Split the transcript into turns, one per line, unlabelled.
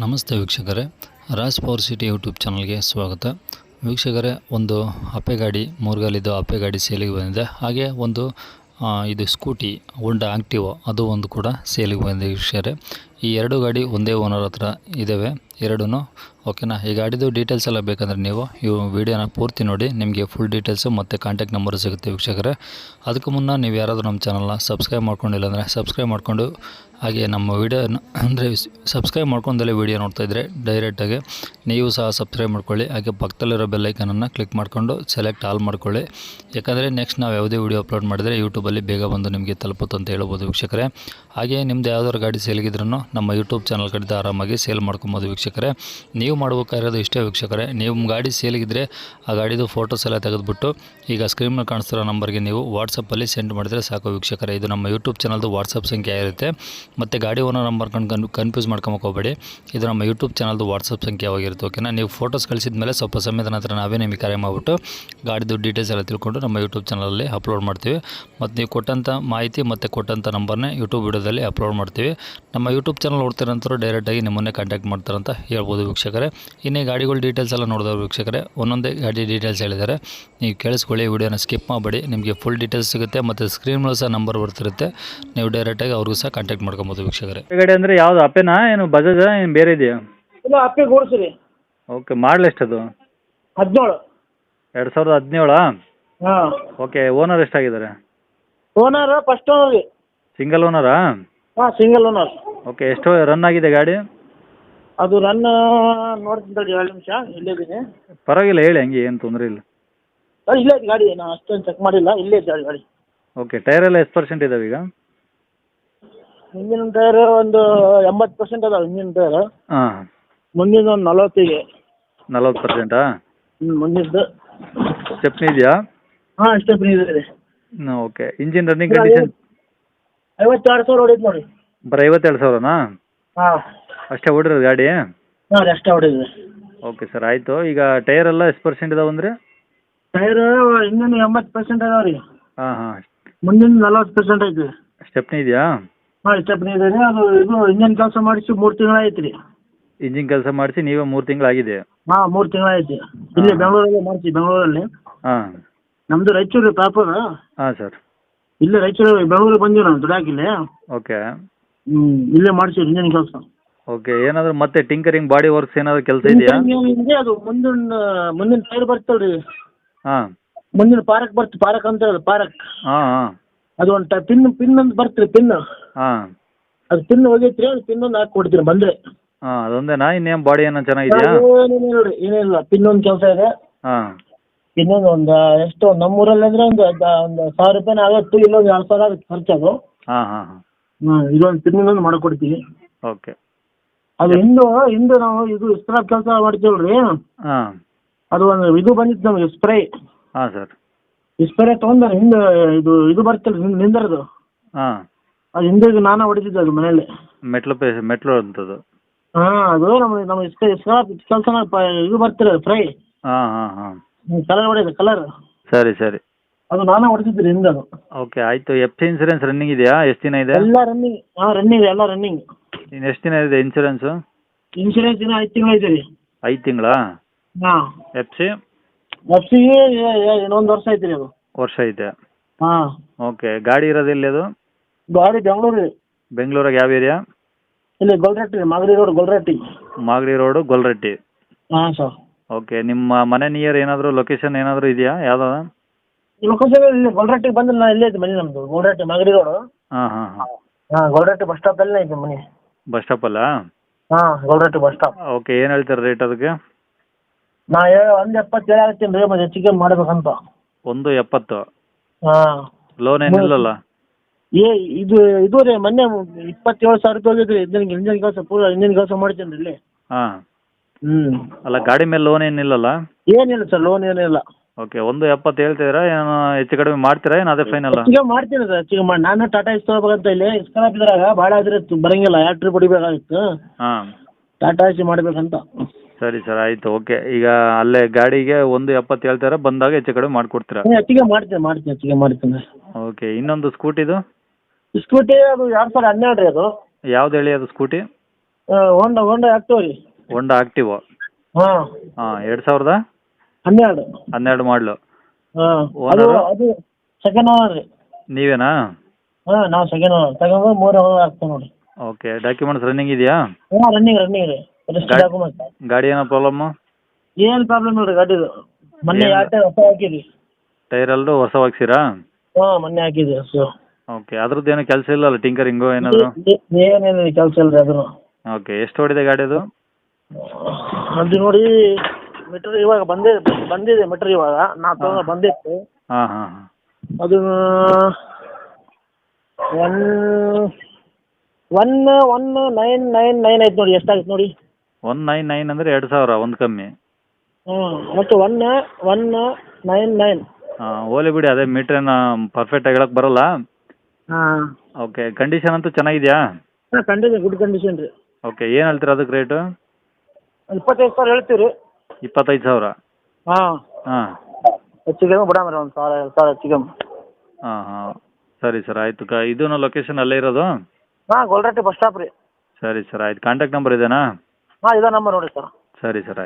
ನಮಸ್ತೆ ವೀಕ್ಷಕರೇ, Raj power city YouTube ಚಾನಲ್ಗೆ ಸ್ವಾಗತ. ವೀಕ್ಷಕರೇ, ಒಂದು ಅಪ್ಪೆ ಗಾಡಿ, ಮೂರ್ಗಾಲಿದ್ದು ಅಪ್ಪೆ ಗಾಡಿ ಸೇಲಿಗೆ ಬಂದಿದೆ. ಹಾಗೆ ಒಂದು ಇದು ಸ್ಕೂಟಿ ಹೋಂಡಾ ಆಕ್ಟಿವಾ ಅದು ಒಂದು ಕೂಡ ಸೇಲಿಗೆ ಬಂದಿದೆ ವೀಕ್ಷಕರೇ. ಈ ಎರಡು ಗಾಡಿ ಒಂದೇ ಓನರ್ ಹತ್ರ ಇದ್ದಾವೆ ಎರಡೂ. ಓಕೆನಾ? ಈ ಗಾಡಿದು ಡೀಟೇಲ್ಸ್ ಎಲ್ಲ ಬೇಕಂದರೆ ನೀವು ಈ ವಿಡಿಯೋನ ಪೂರ್ತಿ ನೋಡಿ, ನಿಮಗೆ ಫುಲ್ ಡೀಟೇಲ್ಸು ಮತ್ತು ಕಾಂಟ್ಯಾಕ್ಟ್ ನಂಬರ್ ಸಿಗುತ್ತೆ ವೀಕ್ಷಕರೇ. ಅದಕ್ಕೂ ಮುನ್ನ ನೀವು ಯಾರಾದರೂ ನಮ್ಮ ಚಾನಲ್ನ ಸಬ್ಸ್ಕ್ರೈಬ್ ಮಾಡ್ಕೊಂಡಿಲ್ಲ ಅಂದರೆ ಸಬ್ಸ್ಕ್ರೈಬ್ ಮಾಡಿಕೊಂಡು, ಹಾಗೆ ನಮ್ಮ ವಿಡಿಯೋನ ಅಂದರೆ ಸಬ್ಸ್ಕ್ರೈಬ್ ಮಾಡ್ಕೊಂಡಲ್ಲೇ ವಿಡಿಯೋ ನೋಡ್ತಾಯಿದ್ರೆ ಡೈರೆಕ್ಟಾಗಿ ನೀವು ಸಹ ಸಬ್ಸ್ಕ್ರೈಬ್ ಮಾಡ್ಕೊಳ್ಳಿ. ಹಾಗೆ ಪಕ್ಕದಲ್ಲಿರೋ ಬೆಲ್ಲೈಕನನ್ನು ಕ್ಲಿಕ್ ಮಾಡಿಕೊಂಡು ಸೆಲೆಕ್ಟ್ ಆಲ್ ಮಾಡ್ಕೊಳ್ಳಿ. ಯಾಕಂದರೆ ನೆಕ್ಸ್ಟ್ ನಾವು ಯಾವುದೇ ವಿಡಿಯೋ ಅಪ್ಲೋಡ್ ಮಾಡಿದರೆ ಯೂಟ್ಯೂಬಲ್ಲಿ ಬೇಗ ಬಂದು ನಿಮಗೆ ತಲುಪುತ್ತೆ ಅಂತ ಹೇಳ್ಬೋದು ವೀಕ್ಷಕರೇ. ಹಾಗೆ ನಿಮ್ಮದು ಯಾವುದಾದ್ರು ಗಾಡಿ ಸೇಲ್ಗಿದ್ರೂ ನಮ್ಮ ಯೂಟ್ಯೂಬ್ ಚಾನಲ್ ಕಡೆದು ಆರಾಮಾಗಿ ಸೇಲ್ ಮಾಡ್ಕೊಬೋದು ವೀಕ್ಷಕರೇ. ನೀವು ಮಾಡಬೇಕಾಗಿರೋದು ಇಷ್ಟೇ ವೀಕ್ಷಕರೇ, ನಿಮ್ಮ ಗಾಡಿ ಸೇಲಿಗಿದ್ರೆ ಆ ಗಾಡಿದು ಫೋಟೋಸ್ ಎಲ್ಲ ತೆಗೆದುಬಿಟ್ಟು ಈಗ ಸ್ಕ್ರೀನ್ ಮೇಲೆ ಕಾಣಿಸ್ತಿರೋ ನಂಬರ್ಗೆ ನೀವು ವಾಟ್ಸಪ್ಪಲ್ಲಿ ಸೆಂಡ್ ಮಾಡಿದರೆ ಸಾಕು ವೀಕ್ಷಕರೇ. ಇದು ನಮ್ಮ ಯೂಟ್ಯೂಬ್ ಚಾನಲ್ದು ವಾಟ್ಸಪ್ ಸಂಖ್ಯೆ ಇರುತ್ತೆ. ಮತ್ತು ಗಾಡಿ ಓನರ್ ನಂಬರ್ ಕನ್ಫ್ಯೂಸ್ ಮಾಡ್ಕೊಳಕ್ಕೆ ಹೋಗಬೇಡಿ, ಇದು ನಮ್ಮ ಯೂಟ್ಯೂಬ್ ಚಾನಲ್ದು ವಾಟ್ಸಪ್ ಸಂಖ್ಯೆ ಆಗಿರುತ್ತೆ. ಓಕೆನಾ? ನೀವು ಫೋಟೋಸ್ ಕಳಿಸಿದ ಮೇಲೆ ಸ್ವಲ್ಪ ಸಮಯದ ನಂತರ ನಾವೇ ನಿಮಗೆ ಕರೆ ಮಾಡಿಬಿಟ್ಟು ಗಾಡಿದು ಡೀಟೇಲ್ಸ್ ಎಲ್ಲ ತಿಳ್ಕೊಂಡು ನಮ್ಮ ಯೂಟ್ಯೂಬ್ ಚಾನಲಲ್ಲಿ ಅಪ್ಲೋಡ್ ಮಾಡ್ತೀವಿ. ಮತ್ತು ನೀವು ಕೊಟ್ಟಂಥ ಮಾಹಿತಿ ಮತ್ತು ಕೊಟ್ಟಂಥ ನಂಬರ್ನೇ ಯೂಟ್ಯೂಬ್ ವಿಡಿಯೋದಲ್ಲಿ ಅಪ್ಲೋಡ್ ಮಾಡ್ತೀವಿ. ನಮ್ಮ ಯೂಟ್ಯೂಬ್ ಚಾನಲ್ ನೋಡ್ತಿರೋಂಥವ್ರು ಡೈರೆಕ್ಟಾಗಿ ನಿಮ್ಮನ್ನೇ ಕಾಂಟ್ಯಾಕ್ಟ್ ಮಾಡ್ತಾರಂತ ಹೇಳ್ಬೋದು ವೀಕ್ಷಕರೇ. ಇನ್ನೇ ಗಾಡಿಗಳ ಡೀಟೇಲ್ಸ್ ಎಲ್ಲ ನೋಡಿದವರು ವೀಕ್ಷಕರೇ, ಒಂದೊಂದೇ ಗಾಡಿ ಡೀಟೇಲ್ಸ್ ಹೇಳಿದ್ದಾರೆ, ನೀವು ಕೇಳಿಸ್ಕೊಳ್ಳಿ, ವಿಡಿಯೋನ ಸ್ಕಿಪ್ ಮಾಡಬೇಡಿ. ನಿಮಗೆ ಫುಲ್ ಡೀಟೇಲ್ಸ್ ಸಿಗುತ್ತೆ ಮತ್ತು ಸ್ಕ್ರೀನ್ ಮೇಲೆ ಸಹ ನಂಬರ್ ಬರ್ತಿರುತ್ತೆ, ನೀವು ಡೈರೆಕ್ಟಾಗಿ ಅವ್ರಿಗೂ ಸಹ ಕಾಂಟ್ಯಾಕ್ಟ್ ಮಾಡ್ಕೊಬೋದು ವೀಕ್ಷಕರೇ.
ಗಾಡಿ ಅಂದರೆ ಯಾವುದು ಅಪ್ಪೆನಾ ಏನು ಬಜಾಜಾ ಏನು ಬೇರೆ ಇದೆಯಾ?
ಇಲ್ಲ, ಅಪ್ಪೆ ಗೂಡ್ಸ್ರಿ.
ಓಕೆ, ಮಾಡಲ್ ಎಷ್ಟದು?
17.
2017?
ಹಾಂ.
ಓಕೆ, ಓನರ್ ಎಷ್ಟಾಗಿದ್ದಾರೆ?
ಓನರ್ ಫಸ್ಟ್ ಓನರ್ ರೀ.
ಸಿಂಗಲ್ ಓನರಾ?
ಹಾಂ, ಸಿಂಗಲ್ ಓನರ್.
ಓಕೆ, ಎಷ್ಟು ರನ್ ಆಗಿದೆ ಗಾಡಿ?
ಅದು ರನ್ ನೋಡ್ತೀನಿ ತಡಿ, 2 ನಿಮಿಷ. ಇಲ್ಲೇ ಇದ್ದೀನಿ.
ಪರವಾಗಿಲ್ಲ, ಹೇಳಿ, ಹಂಗೆ ಏನು ತೊಂದರೆ ಇಲ್ಲ.
ಇಲ್ಲೇ ಐತಿ ಗಾಡಿ, ನಾನು ಅಷ್ಟೊಂದು ಚೆಕ್ ಮಾಡಿಲ್ಲ, ಇಲ್ಲೇ ಐತಿ ಗಾಡಿ.
ಓಕೆ, ಟೈರ್ ಎಲ್ಲ ಎಷ್ಟು ಪರ್ಸೆಂಟ್ ಇದಾವೆ ಈಗ?
ಹಿಂದಿನ ಟೈರ್ ಒಂದು 80% ಅದಾವೆ ಹಿಂದಿನ ಟೈರ್.
ಹಾಂ.
ಮುಂದಿನ ಒಂದು 40.
40%?
ಮುಂದಿದ್ದು
ಸ್ಟೆಪ್ನಿ ಇದೆಯಾ?
ಹಾಂ, ಸ್ಟೆಪ್ನಿ ಇದೆ ರೀ.
Okay, engine running condition?
52,000 ಹೊಡೀತು ನೋಡಿ.
ಬರೀ 52,000ನಾ?
ಹಾಂ.
ಅಷ್ಟೇ ಓಡಿರೋದು ಗಾಡಿ?
ಹಾಂ ರೀ, ಅಷ್ಟೇ ಹೊಡೀದ್ರಿ.
ಓಕೆ ಸರ್, ಆಯಿತು. ಈಗ ಟೈರ್ ಎಲ್ಲ ಎಷ್ಟು ಪರ್ಸೆಂಟ್ ಇದಾವೆ ಅಂದರೆ?
ಟೈರ್ ಹಿಂದಿನ 80% ಅದಾವೆ ರೀ.
ಹಾಂ ಹಾಂ.
ಮುಂದಿನ 40% ಐತಿ.
ಸ್ಟೆಪ್ನಿ ಇದೆಯಾ?
ಹಾಂ, ಸ್ಟೆಪ್ನಿ ಇದೆ ರೀ. ಅದು ಇದು ಇಂಜನ್ ಕೆಲಸ ಮಾಡಿಸಿ 3 ತಿಂಗಳು ಐತಿ ರೀ.
ಇಂಜಿನ್ ಕೆಲಸ ಮಾಡಿಸಿ ನೀವೇ 3 ತಿಂಗಳಾಗಿದೆ?
ಹಾಂ, 3 ತಿಂಗಳು ಐತಿ. ಇಲ್ಲಿ ಬೆಂಗಳೂರಲ್ಲಿ ಮಾಡಿಸಿ, ಬೆಂಗಳೂರಲ್ಲಿ.
ಹಾಂ.
ನಮ್ಮದು ರಾಯಚೂರು ಪ್ರಾಪರ್.
ಹಾಂ ಸರ್.
ಇಲ್ಲೇ ರಾಯಚೂರು ಬೆಂಗಳೂರಿಗೆ ಬಂದೀವಿ ನಾವು ದುಡ್ಯಾಕಿಲ್ಲಿ.
ಓಕೆ.
ಇಲ್ಲೇ ಮಾಡಿಸಿವಿ ಇಂಜನ್ ಕೆಲಸ.
ಓಕೆ, ಏನಾದರೂ ಮತ್ತೆ ಟಿಂಕರಿಂಗ್ ಬಾಡಿ ವರ್ಕ್ಸ್ ಏನಾದರೂ ಕೆಲಸ ಇದೆಯಾ?
ಹಿಂಗೆ ಅದು ಮುಂದಿನ ಟೈರ್ ಬರ್ತಲ್ರಿ.
ಹಾಂ.
ಮುಂದಿನ ಪಾರಕ್ ಬರ್ತು, ಪಾರಕ್ ಅಂತ ಹೇಳಿ ಪಾರಕ್.
ಹಾಂ ಹಾಂ.
ಅದು ಒಂದು ಪಿನ್ ಅಂತ ಬರ್ತೀರಿ, ಪಿನ್.
ಹಾಂ.
ಅದು ಪಿನ್ ಹೋಗೈತ್ರಿ, ಅದು ಪಿನ್ ಒಂದು ಹಾಕಿ ಕೊಡ್ತೀರಿ ಬಂದರೆ.
ಹಾಂ, ಅದೊಂದೇನಾ? ಇನ್ನೇನು ಬಾಡಿ ಏನೋ ಚೆನ್ನಾಗಿದೆಯಾ?
ಏನಿಲ್ಲ ನೋಡಿರಿ, ಏನಿಲ್ಲ. ಪಿನ್ ಒಂದು ಕೆಲಸ ಇದೆ.
ಹಾಂ.
ಇನ್ನೊಂದು ಎಷ್ಟು ನಮ್ಮೂರಲ್ಲಿ ಅಂದರೆ ಒಂದು 1,000 ರೂಪಾಯಿ ಆಗುತ್ತೆ. ಇಲ್ಲೊಂದು 2,000 ಆಗುತ್ತೆ ಖರ್ಚದು.
ಹಾಂ ಹಾಂ ಹಾಂ.
ಇದೊಂದು ಪಿನ್ನೊಂದು ಮಾಡಿಕೊಡ್ತೀವಿ.
ಓಕೆ.
ಅದು ಹಿಂದೆ ನಾವು ಇದು ಸ್ಕ್ರಾಪ್ ಕೆಲಸ ಮಾಡ್ತೀವಲ್ರಿ.
ಹಾಂ. ಅದು
ಒಂದು ಇದು ಬಂದಿತ್ತು ನಮಗೆ, ಸ್ಪ್ರೇ.
ಹಾಂ ಸರ್.
ಈ ಸ್ಪ್ರೇ ತೊಗೊಂಡು ಹಿಂದೆ ಇದು ಬರ್ತಲ್ಲ ನಿಂದರದು.
ಹಾಂ.
ಅದು ಹಿಂದೆ ನಾನೇ ಹೊಡಿತಿದ್ದೆ ಅದು ಮನೇಲಿ.
ಮೆಟ್ಲು ಅಂತದ್ದು?
ಹಾಂ, ಅದು ನಮ್ಮ ಸ್ಕ್ರಾಪ್ ಕೆಲಸ ಇದು ಬರ್ತಿಲ್ಲ ಸ್ಪ್ರೇ.
ಹಾಂ ಹಾಂ ಹಾಂ.
ಕಲರ್ ಹೊಡೆಯೋದು, ಕಲರ್.
ಸರಿ ಸರಿ.
ಅದು ನಾನೇ ಹೊಡಿತಿದ್ರಿ ಹಿಂದೆ ಅದು.
ಓಕೆ, ಆಯಿತು. ಎಫ್ ಸಿ ಇನ್ಸೂರೆನ್ಸ್ ರನ್ನಿಂಗ್ ಇದೆಯಾ? ಎಷ್ಟು ದಿನ ಇದೆ?
ಎಲ್ಲ ರನ್ನಿಂಗ್. ಹಾಂ, ರನ್ನಿಂಗ್, ಎಲ್ಲ ರನ್ನಿಂಗ್.
ಇನ್ನು ಎಷ್ಟು ದಿನ ಇದೆ ಇನ್ಸೂರೆನ್ಸು?
ಇನ್ಶೂರೆನ್ಸ್ ಇನ್ನೂ 5 ತಿಂಗಳು ಐತೆ ರೀ.
5 ತಿಂಗಳಾ?
ಹಾಂ.
F C?
ಎಫ್ ಸಿ ಇನ್ನೊಂದು ವರ್ಷ ಐತೆ ರೀ ಅದು.
ವರ್ಷ ಐತೆ?
ಹಾಂ.
ಓಕೆ, ಗಾಡಿ ಇರೋದು ಎಲ್ಲಿ ಅದು?
ಗಾಡಿ ಬೆಂಗಳೂರು ರೀ.
ಬೆಂಗಳೂರಾಗ ಯಾವ ಏರಿಯಾ?
ಇಲ್ಲಿ ಗೊಲ್ರಟ್ಟಿ, ಮಾಗಡಿ ರೋಡ್, ಗೊಲ್ರಟ್ಟಿ.
ಮಾಗಡಿ ರೋಡು, ಗೊಲ್ರಟ್ಟಿ.
ಹಾಂ ಸರ್.
ಓಕೆ, ನಿಮ್ಮ ಮನೆ ನಿಯರ್ ಏನಾದರೂ ಲೊಕೇಶನ್ ಏನಾದರೂ ಇದೆಯಾ? ಯಾವ್ದಾವ
ಲೊಕೇಶನ್ ಇಲ್ಲಿ ಗೊಲ್ರಟ್ಟಿಗೆ ಬಂದ್ರೆ ನಾನು ಇಲ್ಲೇ ಐತೆ ಮನೆ ನಮ್ಮದು, ಗೊಲ್ರಟ್ಟಿ ಮಾಗಡಿ ರೋಡು.
ಹಾಂ ಹಾಂ ಹಾಂ.
ಹಾಂ, ಗೊಲ್ರಟ್ಟಿ ಬಸ್ ಸ್ಟಾಪಲ್ಲೇ ಐತೆ ಮನೆ.
ಬಸ್ ಸ್ಟಾಪಲ್ಲಾ?
ಹಾಂ, ಗೊಲ್ರಟ್ಟಿ ಬಸ್ ಸ್ಟಾಪ್.
ಓಕೆ, ಏನು ಹೇಳ್ತಾರೆ ರೇಟ್ ಅದಕ್ಕೆ?
ನಾ 1.70 ಹೇಳ್ತೀನಿ ರೀ, ಮತ್ತೆ ಹೆಚ್ಚಿಗೆ ಮಾಡ್ಬೇಕಂತ.
1.70?
ಹಾಂ.
ಲೋನ್ ಏನಿಲ್ಲಲ್ಲ?
ಇದು ರೀ, ಮೊನ್ನೆ 27,000 ರೂಪಾಯಿ ಹೋಗಿದ್ರಿ. ಇಂಜನ್ ಕೆಲಸ ಪೂರ ಇಂಜನ್ ಕೆಲಸ ಮಾಡ್ತೀನಿ ರೀ ಇಲ್ಲಿ.
ಹಾಂ. ಅಲ್ಲ, ಗಾಡಿ ಮೇಲೆ ಲೋನ್ ಏನಿಲ್ಲಲ್ಲ?
ಏನಿಲ್ಲ ಸರ್, ಲೋನ್ ಏನಿಲ್ಲ.
ಓಕೆ, 1.70 ಹೇಳ್ತಿದ್ದೀರಾ? ಏನು ಹೆಚ್ಚು ಕಡಿಮೆ ಮಾಡ್ತೀರಾ ಏನು ಅದೇ ಫೈನಲ್?
ಹೆಚ್ಚಿಗೆ ಮಾಡ್ತೀನಿ ಸರ್, ಹೆಚ್ಚಿಗೆ ಮಾಡಿ. ನಾನು ಟಾಟಾ ಇಸ್ ತೊಗೋಬೇಕಂತ ಇಲ್ಲಿ ಸ್ಕ್ರಾಪ್ ಇದ್ರಾಗ ಭಾಳ ಆದ್ರೆ ಬರಂಗಿಲ್ಲ, 2 ಟ್ರಿಪ್ ಹೊಡಿಬೇಕಾಗಿತ್ತು.
ಹಾಂ.
ಟಾಟಾ ಇಸ್ ಮಾಡ್ಬೇಕಂತ.
ಸರಿ ಸರ್, ಆಯಿತು. ಓಕೆ, ಈಗ ಅಲ್ಲೇ ಗಾಡಿಗೆ 1.70 ಹೇಳ್ತಾರೆ, ಬಂದಾಗ ಹೆಚ್ಚು ಕಡಿಮೆ ಮಾಡಿಕೊಡ್ತೀರಾ?
ಹೆಚ್ಚಿಗೆ ಮಾಡ್ತೀನಿ, ಹೆಚ್ಚಿಗೆ ಮಾಡ್ತೀನಿ.
ಓಕೆ, ಇನ್ನೊಂದು ಸ್ಕೂಟಿದು?
ಸ್ಕೂಟಿ ಅದು 2012 ರೀ ಅದು.
ಯಾವ್ದು ಹೇಳಿ ಅದು ಸ್ಕೂಟಿ?
ಹೋಂಡಾ ಆಕ್ಟಿವ್ ರೀ.
Honda active.
ಹಾಂ
ಹಾಂ 2012
12
ಮಾಡಲು.
ಹಾಂ
Owner?
ಅದು ಸೆಕೆಂಡ್ ಓನರ್ ರೀ.
ನೀವೇನಾ?
ಹಾಂ ನಾವು ಸೆಕೆಂಡ್ ಓನರ್ ತಗೊಂಡು 3 ಓನರ್ ಆಗ್ತೀವಿ ನೋಡಿ.
ಓಕೆ, ಡಾಕ್ಯುಮೆಂಟ್ಸ್ ರನ್ನಿಂಗ್ ಇದೆಯಾ?
ಹಾಂ ರನ್ನಿಂಗ್ ರೀ. Rest document.
ಗಾಡಿ ಏನೋ ಪ್ರಾಬ್ಲಮ್ಮು?
ಏನು ಪ್ರಾಬ್ಲಮ್ ಇಲ್ಲ ರೀ ಗಾಡಿದು. ಮೊನ್ನೆ
ಏನು?
2 ಟೈರ್ ಹೊಸ ಹಾಕಿದ್ವಿ.
ಟೈರ್ ಎಲ್ಲರೂ ಹೊಸ ಹಾಕ್ಸಿರಾ?
ಹಾಂ ಮೊನ್ನೆ ಹಾಕಿದ್ವಿ ಸೊ.
ಓಕೆ, ಅದ್ರದ್ದು ಏನೋ ಕೆಲಸ ಇಲ್ಲಲ್ಲ, ಟಿಂಕರಿಂಗು ಏನಾದರೂ?
ಏನೇನು ಕೆಲಸ ಇಲ್ಲ ರೀ ಅದನ್ನು.
ಓಕೆ, ಎಷ್ಟು ಹೊಡಿದೆ ಗಾಡಿ ಅದು?
ಅದು ನೋಡಿ ಮೀಟ್ರ್ ಇವಾಗ ಬಂದಿದೆ ಮೀಟ್ರ್ ಇವಾಗ ನಾವು ತಗೊಂಡು ಬಂದಿತ್ತು.
ಹಾಂ ಹಾಂ ಹಾಂ.
ಅದು 1999 ಆಯ್ತು ನೋಡಿ. ಎಷ್ಟಾಯ್ತು ನೋಡಿ?
199 ಅಂದರೆ 2000, ಒಂದು ಕಮ್ಮಿ.
ಹ್ಞೂ ಮತ್ತು 1199.
ಹಾಂ, ಹೋಲಿ ಬಿಡಿ, ಅದೇ ಮೀಟ್ರೇನು ಪರ್ಫೆಕ್ಟಾಗಿ ಹೇಳಕ್ಕೆ ಬರಲ್ಲ.
ಹಾಂ
ಓಕೆ, ಕಂಡೀಷನ್ ಅಂತೂ ಚೆನ್ನಾಗಿದೆಯಾ?
ಹಾಂ ಕಂಡೀಷನ್ ಗುಡ್ ಕಂಡೀಷನ್ ರೀ.
ಓಕೆ, ಏನು ಹೇಳ್ತೀರಾ ಅದಕ್ಕೆ ರೇಟು?
25,000 ಹೇಳ್ತೀವಿ ರೀ.
25,000.
ಹಾಂ
ಹಾಂ
ಹೆಚ್ಚಿಗೆ ಬಿಡಾಮ ರೀ, 1,000 2,000 ಹೆಚ್ಚಿಗೆ.
ಹಾಂ ಹಾಂ, ಸರಿ ಸರ್, ಆಯಿತು. ಇದೂ ಲೊಕೇಶನ್ ಅಲ್ಲೇ ಇರೋದು?
ಹಾಂ ಗೊಲ್ರಟ್ಟಿ ಬಸ್ ಸ್ಟಾಪ್ ರೀ.
ಸರಿ ಸರ್, ಆಯ್ತು. ಕಾಂಟ್ಯಾಕ್ಟ್ ನಂಬರ್ ಇದೇನಾ?
ಹಾಂ ಇದೇ ನಂಬರ್ ನೋಡಿ ಸರ್.
ಸರಿ ಸರ್, ಆಯ್ತು.